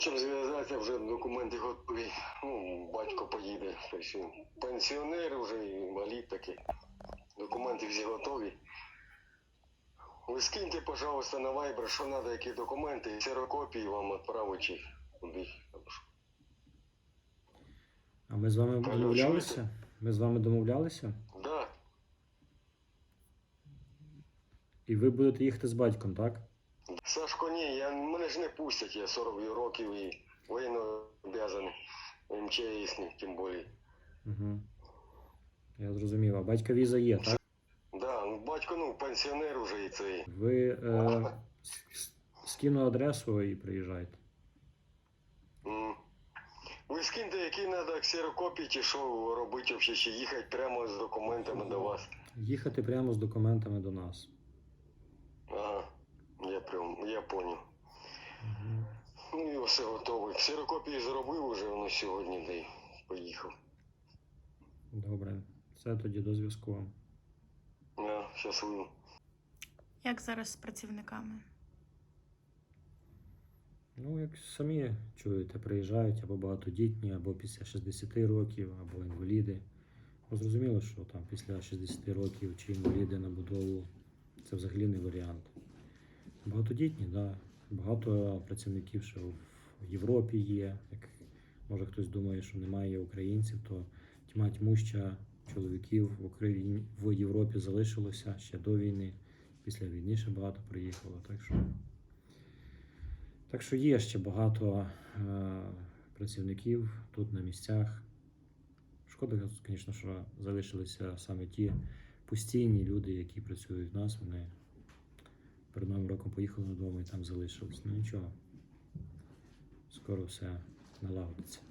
Щоб зв'язатися, вже документи готові. Ну, батько поїде. Тобто пенсіонер, вже інвалід такий. Документи всі готові. Ви скиньте, пожалуйста, на Viber, що треба, які документи, ксерокопії вам відправити чи куди. А ми з вами Алло, домовлялися? чуєте? Ми з вами домовлялися? Да. І ви будете їхати з батьком, так? Сашко, ні, мене ж не пустять, я 40 років і воєнно обов'язаний, МЧСник, тим більше. Угу. Я зрозумів. А батька віза є, так? Да, ну, батько, ну, пенсіонер уже і цей. Ви скину адресу і приїжджайте. Ви скиньте, які треба ксерокопії, чи що робити взагалі, чи їхати прямо з документами до вас. Їхати прямо з документами до нас. Ага, я понял. Угу. Ну і все готове. Ксерокопії зробив уже, воно сьогодні, де й поїхав. Добре. Все, тоді до зв'язку. Щасливо. Як зараз з працівниками? Ну, як самі чуєте, приїжджають або багатодітні, або після 60 років, або інваліди. Бо зрозуміло, що там після 60 років чи інваліди на будову – це взагалі не варіант. Багатодітні, так. Да. Багато працівників, що в Європі є. Як може хтось думає, що немає українців, то тьма тьмуща чоловіків в Україні, в Європі залишилося ще до війни. Після війни ще багато приїхало. Так що є ще багато працівників тут на місцях. Шкода, звісно, що залишилися саме ті постійні люди, які працюють в нас. Вони перед Новим роком поїхали додому і там залишились. Ну нічого, скоро все налагодиться.